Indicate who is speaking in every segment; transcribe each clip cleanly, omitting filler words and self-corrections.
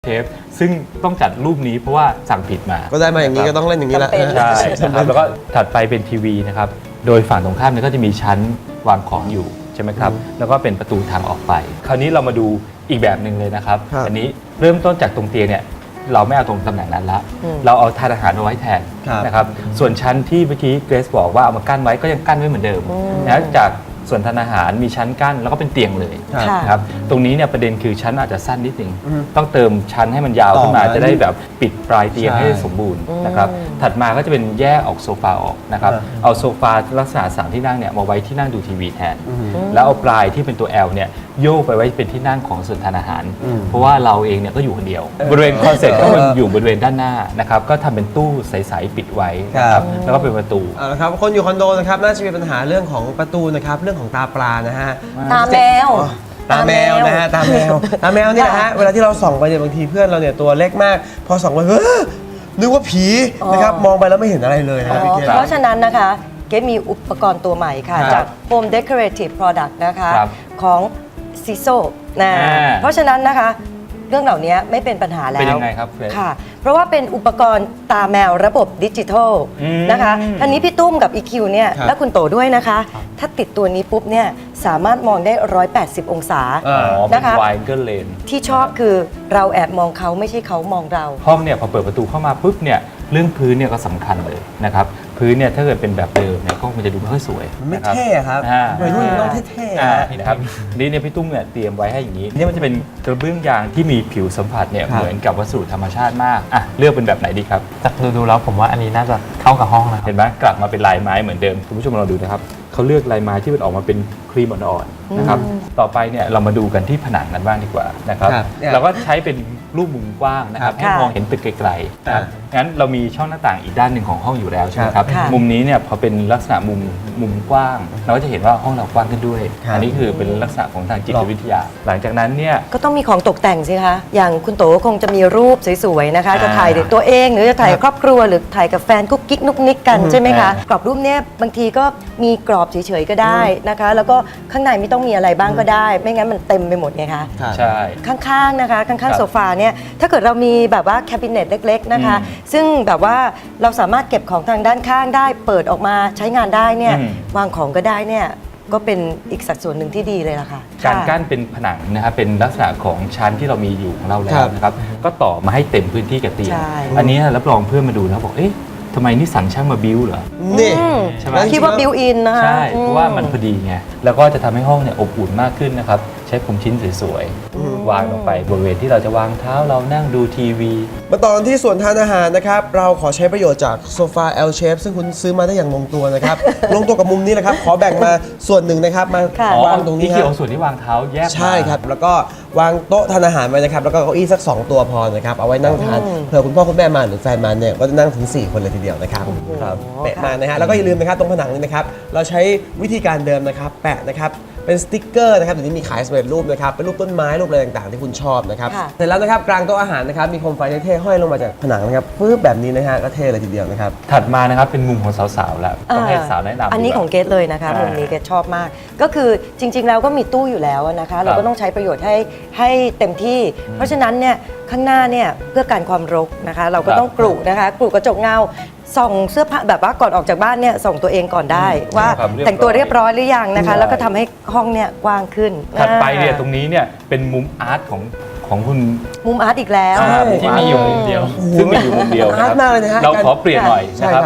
Speaker 1: ปซึ่งต้องจัดรูปนี้เพราะว่าสั่งผิดมา
Speaker 2: ก็ได้มาอย่างนี้ก็ต้องเล่นอย่างนี้แหละ
Speaker 1: ใช่นะครับแล้วก็ถัดไปเป็นทีวีนะครับโดยฝั่งตรงข้ามเนี่ยก็จะมีชั้นวางของอยู่ใช่ไหมครับแล้วก็เป็นประตูทางออกไปคราวนี้เรามาดูอีกแบบหนึ่งเลยนะครับอันนี้เริ่มต้นจากตรงเตียงเนี่ยเราไม่เอาตรงตำแหน่งนั้นละเราเอาทานอาหารมาไว้แทนนะครับส่วนชั้นที่เมื่อกี้เกรซบอกว่าเอามากั้นไว้ก็ยังกั้นไว้เหมือนเดิมนะจากส่วนทานอาหารมีชั้นกั้นแล้วก็เป็นเตียงเลยนะครับตรงนี้เนี่ยประเด็นคือชั้นอาจจะสั้นนิดนึงต้องเติมชั้นให้มันยาวขึ้นมาจะได้แบบปิดปลายเตียงให้สมบูรณ์นะครับถัดมาก็จะเป็นแยกออกโซฟาออกนะครับเอาโซฟาลักษณะ3ที่นั่งเนี่ยมาไว้ที่นั่งดูทีวีแทนแล้วเอาปลายที่เป็นตัว L เนี่ยโยกไปไว้เป็นที่นั่งของส่วนทานอาหารเพราะว่าเราเองเนี่ยก็อยู่คนเดียวบริเวณคอนเซ็ปต์ก็มันอยู่บริเวณด้านหน้านะครับก็ทำเป็นตู้ใสๆปิดไว้นะครับแล้วก็เป็นประตู
Speaker 2: ครับคนอยู่คอนโดนะครับน่าจะมีปัญหาเรื่องของประตูนะครับเรื่องของตาปลานะฮะ
Speaker 3: ตาแมว
Speaker 2: ตาแมวนะฮะตาแมวนี่แหละฮะเวลาที่เราส่องไปเนี่ยบางทีเพื่อนเราเนี่ยตัวเล็กมากพอส่องไปนึกว่าผีนะครับมองไปแล้วไม่เห็นอะไรเลยนะครับพี่เกศ
Speaker 3: เพราะฉะนั้นนะคะเกศมีอุปกรณ์ตัวใหม่ค่ะจาก Home Decorative Product นะคะของ CISO นะเพราะฉะนั้นนะคะเรื่องเหล่านี้ไม่เป็นปัญหาแล้ว
Speaker 1: เป็นยังไงครับ
Speaker 3: ค่ะเพราะว่าเป็นอุปกรณ์ตาแมวระบบดิจิทัลนะคะอันนี้พี่ตุ้มกับ EQ เนี่ยและคุณโตด้วยนะคะถ้าติดตัวนี้ปุ๊บเนี่ยสามารถมองได้180องศา
Speaker 1: นะคะวายเกิลเลน
Speaker 3: ที่ชอบคือเราแอบมองเขาไม่ใช่เขามองเรา
Speaker 1: ห้องเนี่ยพอเปิดประตูเข้ามาปุ๊บเนี่ยเรื่องพื้นเนี่ยก็สำคัญเลยนะครับพื้นเนี่ยถ้าเกิดเป็นแบบเดิมเนี่ยก็มันจะดูไม่ค่อยสวย
Speaker 2: ไม่เท่ครับวัยรุ่นต้องเท่
Speaker 1: ๆนะครับนี่เนี่ยพี่ตุ้มเนี่ยเตรียมไว้ให้อย่างนี้นี่มันจะเป็นกระเบื้องยางที่มีผิวสัมผัสเนี่ยเหมือนกับวัสดุธรรมชาติมากอ่ะเลือกเป็นแบบไหนดีครับ
Speaker 4: จากดูแล้วผมว่าอันนี้น่าจะเข้ากับห้องนะ
Speaker 1: เห็นไหมกลับมาเป็นลายไม้เหมือนเดิมคุณผู้ชมเราดูนะครับเขาเลือกลายไม้ที่มันออกมาเป็นครีมอ่อนๆนะครับต่อไปเนี่ยเรามาดูกันที่ผนังกันบ้างดีกว่านะครับเราก็ใช้เป็นรูปมุมกว้างนะครับให้มองเห็นตึกไกลๆนะครับงั้นเรามีช่องหน้าต่างอีกด้านหนึ่งของห้องอยู่แล้วใช่ไหมครับมุมนี้เนี่ยพอเป็นลักษณะมุมกว้างเราก็จะเห็นว่าห้องเรากว้างขึ้นด้วยอันนี้คือเป็นลักษณะของทางจิตวิทยาหลังจากนั้นเนี่ย
Speaker 3: ก็ต้องมีของตกแต่งสิคะอย่างคุณโตคงจะมีรูปสวยๆนะคะจะถ่ายตัวเองหรือจะถ่ายครอบครัวหรือถ่ายกับแฟนกุ๊กกิ๊กนุกนิกกันใช่ไหมคะกรอบรูปเนี้ยบางทีก็มีกรอบเฉยๆก็ได้นะคะแล้วก็ข้างในไม่ต้องมีอะไรบ้างก็ได้ไม่งั้นมันเต็มไปหมดไงคะ
Speaker 1: ใช่
Speaker 3: ข้างๆนะคะข้างๆโซฟาเนี่ยถ้าเกิดเรามีแบบว่าแคบิเนตเล็กๆนะคะซึ่งแบบว่าเราสามารถเก็บของทางด้านข้างได้เปิดออกมาใช้งานได้เนี่ยวางของก็ได้เนี่ยก็เป็นอีกสัดส่วนหนึ่งที่ดีเลยล่ะค่ะ
Speaker 1: การกั้นเป็นผนังนะครับเป็นลักษณะของชั้นที่เรามีอยู่ของเราแล้วนะครับก็ต่อมาให้เต็มพื้นที่กับเตียงอันนี้รับรองเพื่อนมาดูแล้วบอกเอ๊ะทำไมนี่สั่งช่างมาบิ้วเหรอ
Speaker 2: นี่
Speaker 3: ใช่ไหมคิดว่าบิวอินนะคะ
Speaker 1: ใช่เพราะว่ามันพอดีไงแล้วก็จะทำให้ห้องเนี่ยอบอุ่นมากขึ้นนะครับใช้พรมชิ้นสวยๆวางลงไปบริเวณที่เราจะวางเท้าเรานั่งดูทีวี
Speaker 2: มาต่อกันที่ส่วนทานอาหารนะครับเราขอใช้ประโยชน์จากโซฟา L shape ซึ่งคุณซื้อมาได้อย่างลงตัวนะครับ ลงตัวกับมุมนี้นะครับขอแบ่งมาส่วนหนึ่งนะครับมาวางตรงนี้
Speaker 1: ครับส่วนที่วางเท้าแยก
Speaker 2: ใช่ครับแล้วก็วางโต๊ะทานอาหารไว้นะครับแล้วก็เก้าอี้สัก2ตัวพอนะครับเอาไว้นั่งทานเผื่อคุณพ่อคุณแม่มาหรือแฟนมาเนี่ยก็จะนั่งถึง4คนเลยทีเดียวนะครับแปะมานะฮะแล้วก็อย่าลืมนะครับตรงผนังนี้นะครับเราใช้วิธีการเดิมนะครับแปะนะครับเป็นสติ๊กเกอร์นะครับเดี๋ยวนี้มีขายสำเร็จรูปนะครับเป็นรูปต้นไม้รูปอะไรต่างๆที่คุณชอบนะครับเสร็จแล้วนะครับกลางโต๊ะอาหารนะครับมีโคมไฟเท่ๆห้อยลงมาจากผนังนะครับปึ๊บแบบนี้นะฮะก็เท่เลยทีเดียวนะครับ
Speaker 1: ถัดมานะครับเป็นมุมของสาวๆแล้วต้องให้สาวแนะนำ
Speaker 3: อันนี้ของเกรซเลยนะคะมุมนี้เกรซชอบมากก็คือจริงๆแล้วก็มีตู้อยู่แล้วนะคะเราก็ต้องใช้ประโยชน์ให้เต็มที่เพราะฉะนั้นเนี่ยข้างหน้าเนี่ยเพื่อการความรกนะคะเราก็ต้องกรุนะคะกรุกระจกเงาส่องเสื้อผ้าแบบว่าก่อนออกจากบ้านเนี่ยส่องตัวเองก่อนได้ว่าแต่งตัวเรียบร้อยหรือยังนะคะแล้วก็ทำให้ห้องเนี่ยกว้างขึ้น
Speaker 1: ถัดไปเนี่ยตรงนี้เนี่ยเป็นมุมอาร์ตของคุณ
Speaker 3: มุมอาร์ตอีกแล้ว
Speaker 4: ที่มีอยู่มุมเดียว
Speaker 1: ซึ่งมีอยู่มุมเดียวนะครับเราขอเปลี่ยนหน่อยนะครับ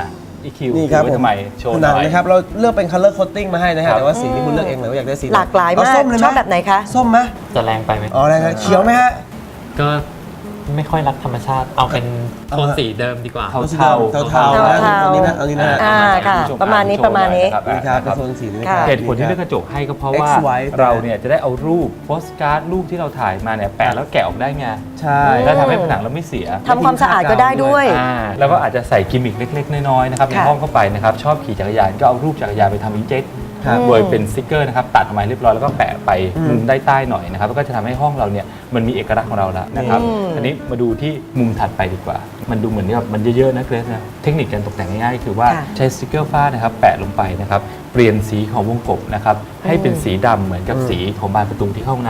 Speaker 1: EQ
Speaker 2: นี่ครับ
Speaker 1: ทำไมโชว์หน่อย
Speaker 2: นะครับเราเลือกเป็น color coating มาให้นะฮะแต่ว่าสีที่คุณเลือกเองเลยว่าอยากได้สี
Speaker 3: หลากหลายมากชอบแบบไหนคะ
Speaker 2: ส้มไหม
Speaker 4: จะแรงไปไหม
Speaker 2: อ๋อแรงครับเขียวไหมฮะ
Speaker 4: ก็ไม่ค่อยรักธรรมชาติเอาเป็นโทนสีเดิมดีกว่า
Speaker 1: เทา
Speaker 2: อันนี้นะอันนี้นะ
Speaker 3: ค่ะประมาณนี้
Speaker 2: ครับเป็นโทนสีนี้
Speaker 1: เหตุผลที่เลือกกระจกให้ก็เพราะว่าเราเนี่ยจะได้เอารูปโปสการ์ดรูปที่เราถ่ายมาเนี่ยแปะแล้วแกะออกได้ไง
Speaker 2: ใช่
Speaker 1: แล้วทำให้ผนังเราไม่เสีย
Speaker 3: ทำความสะอาดก็ได้ด้วย
Speaker 1: แล้วก็อาจจะใส่กิมมิคเล็กๆน้อยๆนะครับในห้องเข้าไปนะครับชอบขี่จักรยานก็เอารูปจักรยานไปทำอินเจ็ตโดยเป็นสติ๊กเกอร์นะครับตัดออกมาเรียบร้อยแล้วก็แปะไปมุมใต้หน่อยนะครับก็จะทำให้ห้องเราเนี่ยมันมีเอกลักษณ์ของเราแล้วนะครับอันนี้มาดูที่มุมถัดไปดีกว่ามันดูเหมือนแบบมันเยอะๆนะเกรซนะเทคนิคการตกแต่งง่ายๆคือว่าใช้สติ๊กเกอร์ฝ้านะครับแปะลงไปนะครับเปลี่ยนสีของวงกบนะครับให้เป็นสีดำเหมือนกับสีของบานประตูที่เข้าห้องน้ำ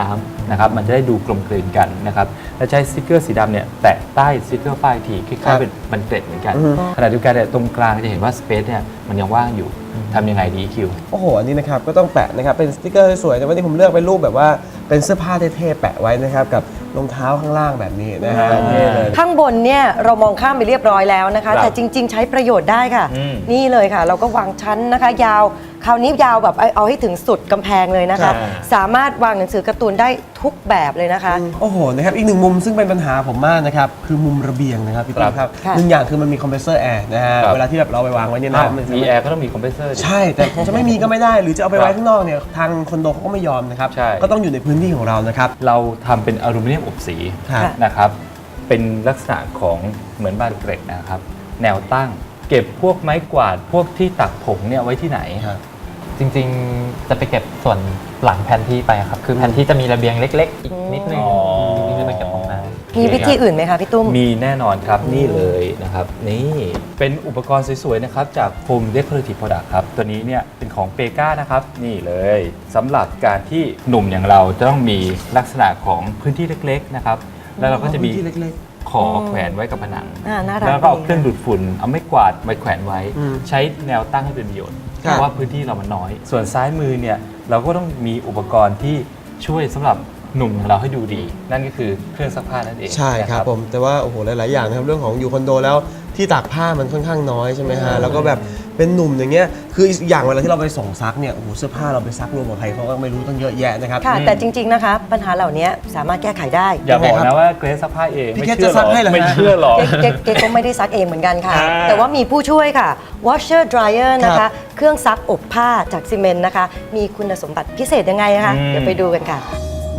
Speaker 1: นะครับมันจะได้ดูกลมกลืนกันนะครับและใช้สติกเกอร์สีดำเนี่ยแตะใต้สติกเกอร์ป้ายทีคล้ายๆเป็นมันเกล็ดเหมือนกันขณะเดียวกันเนี่ยตรงกลางจะเห็นว่าสเปซเนี่ยมันยังว่างอยู่ทำยังไงดีคิว
Speaker 2: โอ้โห อันนี้นะครับก็ต้องแปะนะครับเป็นสติกเกอร์สวยๆแต่วันนี้ผมเลือกเป็นรูปแบบว่าเป็นเสื้อผ้าเท่ๆแปะไว้นะครับกับรองเท้าข้างล่างแบบนี้นะฮะเท่เลย
Speaker 3: ข้างบนเนี่ยเรามองข้ามไปเรียบร้อยแล้วนะคะ
Speaker 1: ครับ
Speaker 3: แต่จริง ๆ ใช้ประโยชน์ได้ค่ะ
Speaker 1: อืม
Speaker 3: นี่เลยค่ะ เราก็วางชั้นนะคะ ยาวคราวนี้ยาวแบบเอาให้ถึงสุดกำแพงเลยนะคะ สามารถวางหนังสือการ์ตูนได้ทุกแบบเลยนะคะ
Speaker 2: โอ้โหนะครับอีกหนึ่งมุมซึ่งเป็นปัญหาผมมากนะครับคือมุมระเบียงนะครับพี่ตุ้มครับ
Speaker 3: ค่ะ
Speaker 2: หนึ่งอย่างคือมันมีคอมเพรสเซอร์แอร์นะฮะ
Speaker 1: ครับ
Speaker 2: เวลาที่แบบเราไปวางไว้เนี่ย
Speaker 1: อ้าว
Speaker 2: นะมัน
Speaker 1: มีแอร์ก็ต้องมีคอมเพรสเซอร์ดิ
Speaker 2: ใช่แต่จะไม่มีก็ไม่ได้ หรือจะเอาไปไว้ข้างนอกเนี่ยทางคอนโดเขาก็ไม่ยอมนะครับ
Speaker 1: ใช่
Speaker 2: ก็ต้องอยู่ในพื้นที่ของเรานะครับ
Speaker 1: เราทำเป็นอลูมิเนียมอบสี
Speaker 2: ครับ
Speaker 1: นะครับเป็นลักษณะของเหมือนบานเกร็ดนะครับแนวตั้งเก็บพวกไม้กวาดพวกที่ตักผงเนี่ยไว้ที่ไหน
Speaker 2: ครับ
Speaker 4: จริงๆ จะไปเก็บส่วนหลังแผนที่ไปครับ คือแผนที่จะมีระเบียงเล็ก ๆ อีกนิดนึง
Speaker 1: อ๋อ
Speaker 4: ที่จะไปเก็บของน้
Speaker 3: มีวิธีอื่นไหมคะพี่ตุ้ม
Speaker 1: มีแน่นอนครับนี่เลยนะครับนี่เป็นอุปกรณ์สวยๆนะครับจาก Home Decorative Product ครับตัวนี้เนี่ยเป็นของเปกานะครับนี่เลยสำหรับการที่หนุ่มอย่างเราจะต้องมีลักษณะของพื้นที่เล็กๆนะครับแล้วเราก็จะมี
Speaker 2: พื้นที่เล็ก
Speaker 1: ขอแขวนไว้กับผนัง
Speaker 3: น่ารัก
Speaker 1: แล้วก็เอา
Speaker 3: ดี
Speaker 1: เครื่องดูดฝุ่นเอาไม้กวาดไว้แขวนไว้
Speaker 2: อืม
Speaker 1: ใช้แนวตั้งให้เป็นประโยชน์
Speaker 2: ครับ
Speaker 1: เพราะว่าพื้นที่เรามันน้อย ส่วนซ้ายมือเนี่ยเราก็ต้องมีอุปกรณ์ที่ช่วยสำหรับหนุ่มของเราให้ดูดี นั่นก็คือเครื่องซักผ้านั่นเอง
Speaker 2: ใช่ครับ
Speaker 1: นะ
Speaker 2: ผมแต่ว่าโอ้โหหลาย ๆ อย่างนะครับเรื่องของอยู่คอนโดแล้วที่ตากผ้ามันค่อนข้างน้อยใช่ไหมฮะแล้วก็แบบเป็นหนุ่มอย่างเงี้ยคืออีกอย่างเวลาที่เราไปส่งซักเนี่ยโอ้โหเสื้อผ้าเราไปซักรวมกับใครเขาก็ไม่รู้ตั้งเยอะแยะนะครับ
Speaker 3: ค่ะ แต่จริง ๆนะคะ ปัญหาเหล่านี้สามารถแก้ไขได้
Speaker 1: อย่าบอก
Speaker 2: ยังไงครั
Speaker 1: นะ
Speaker 2: บ
Speaker 1: ว่าเกรซซักผ้าเอง
Speaker 2: พี่
Speaker 1: ไม่
Speaker 2: เกรซ
Speaker 1: เชื่อ
Speaker 2: จะซักให้เหรอฮะ
Speaker 1: ไม่เชื่อหรอก
Speaker 3: เก๊ก็ไม่ได้ซักเองเหมือนกันค่ะ
Speaker 1: อ่า
Speaker 3: แต่ว่ามีผู้ช่วยค่ะ washer dryer นะ
Speaker 2: ครั
Speaker 3: คะ
Speaker 2: บ
Speaker 3: เครื่องซักอบผ้าจากซีเมนต์นะคะ มีคุณสมบัติพิเศษยังไงนะคะ เดี๋ยวไปดูกันค่ะ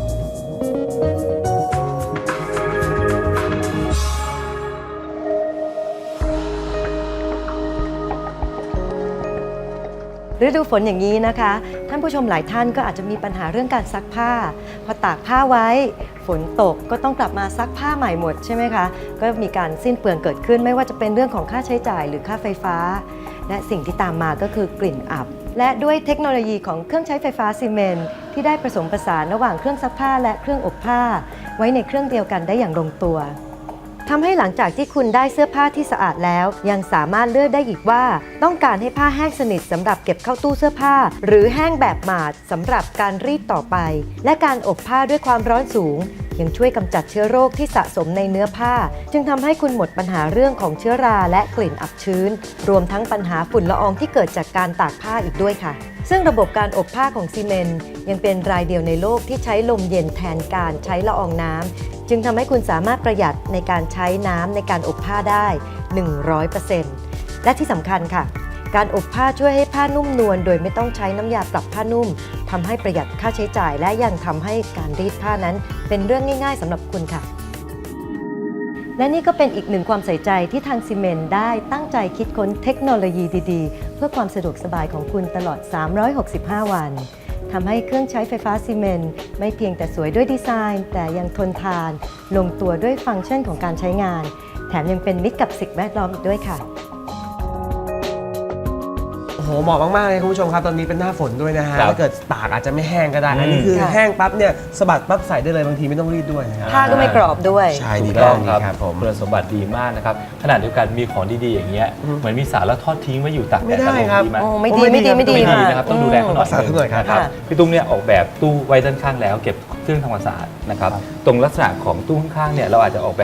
Speaker 3: ฤดูฝนอย่างนี้นะคะ ท่านผู้ชมหลายท่านก็อาจจะมีปัญหาเรื่องการซักผ้า พอตากผ้าไว้ ฝนตกก็ต้องกลับมาซักผ้าใหม่หมดใช่ไหมคะ ก็มีการสิ้นเปลืองเกิดขึ้นไม่ว่าจะเป็นเรื่องของค่าใช้จ่ายหรือค่าไฟฟ้า และสิ่งที่ตามมาก็คือกลิ่นอับ และด้วยเทคโนโลยีของเครื่องใช้ไฟฟ้าซีเมนต์ที่ได้ผสมผสานระหว่างเครื่องซักผ้าและเครื่องอบผ้า ไว้ในเครื่องเดียวกันได้อย่างลงตัว ทำให้หลังจากที่คุณได้เสื้อผ้าที่สะอาดแล้ว ยังสามารถเลือกได้อีกว่า ต้องการให้ผ้าแห้งสนิทสำหรับเก็บเข้าตู้เสื้อผ้า หรือแห้งแบบหมาดสำหรับการรีดต่อไป และการอบผ้าด้วยความร้อนสูง ยังช่วยกำจัดเชื้อโรคที่สะสมในเนื้อผ้า จึงทำให้คุณหมดปัญหาเรื่องของเชื้อราและกลิ่นอับชื้น รวมทั้งปัญหาฝุ่นละอองที่เกิดจากการตากผ้าอีกด้วยค่ะ ซึ่งระบบการอบผ้าของซีเมนต์ยังเป็นรายเดียวในโลกที่ใช้ลมเย็นแทนการใช้ละอองน้ำจึงทำให้คุณสามารถประหยัดในการใช้น้ำในการอบผ้าได้ 100% และที่สำคัญค่ะ การอบผ้าช่วยให้ผ้านุ่มนวลโดยไม่ต้องใช้น้ำยาปรับผ้านุ่มทำให้ประหยัดค่าใช้จ่าย และยังทำให้การรีดผ้านั้นเป็นเรื่องง่ายๆสำหรับคุณค่ะ และนี่ก็เป็นอีกหนึ่งความใส่ใจที่ทางซีเมนต์ได้ตั้งใจคิดค้นเทคโนโลยีดีๆ เพื่อความสะดวกสบายของคุณตลอด 365 วันทำให้เครื่องใช้ไฟฟ้าซีเมนต์ไม่เพียงแต่สวยด้วยดีไซน์ แต่ยังทนทาน ลงตัวด้วยฟังก์ชันของการใช้งาน แถมยังเป็นมิตรกับสิ่งแวดล้อมอีกด้วยค่ะ
Speaker 2: โอ้โหเหมาะมาก ๆ เลยคุณผู้ชมครับ ตอนนี้เป็นหน้าฝนด้วยนะฮะ
Speaker 1: ครับ
Speaker 2: ถ้าเกิดตากอาจจะไม่แห้งก็ได้ อันนี้
Speaker 1: อืม
Speaker 2: คือ
Speaker 3: ค่ะ
Speaker 2: แห้งปั๊บเนี่ยสะบัดปั๊บใส่ได้เลยบางทีไม่ต้องรีดด้วยนะครับ
Speaker 3: ผ้าก็ไม่กรอบด้วย
Speaker 2: ใช่ดี
Speaker 1: ถูกต้อง
Speaker 2: มาก
Speaker 1: ครับ
Speaker 2: ดีครับผม
Speaker 1: คุณสมบัติดีมากนะครับขณะเดียวกันมีของดีๆอย่างเงี้ยเหมือนมีสารแล้วทอดทิ้งไว้อยู่ตากแด
Speaker 2: ไม่
Speaker 1: ด
Speaker 2: ได้
Speaker 1: ตลอด
Speaker 2: ครับ
Speaker 1: ดีไหม
Speaker 3: โอ้ไม่ดีไม่ดีไม่ดี
Speaker 1: ไม่ดี
Speaker 3: ค่ะ
Speaker 1: นะครับต้องดูแลเขาหน่อย
Speaker 2: รักษาเขาหน่อยครับ
Speaker 1: นะครับ
Speaker 3: ค่ะ
Speaker 1: พี่ตุ้มเนี่ยออกแบบตู้ไว้ด้านข้างแล้วเก็บเครื่องทำความสะอาดนะครับตรงลักษณะของตู้ข้างๆเนี่ยเราอาจจะออกแบบ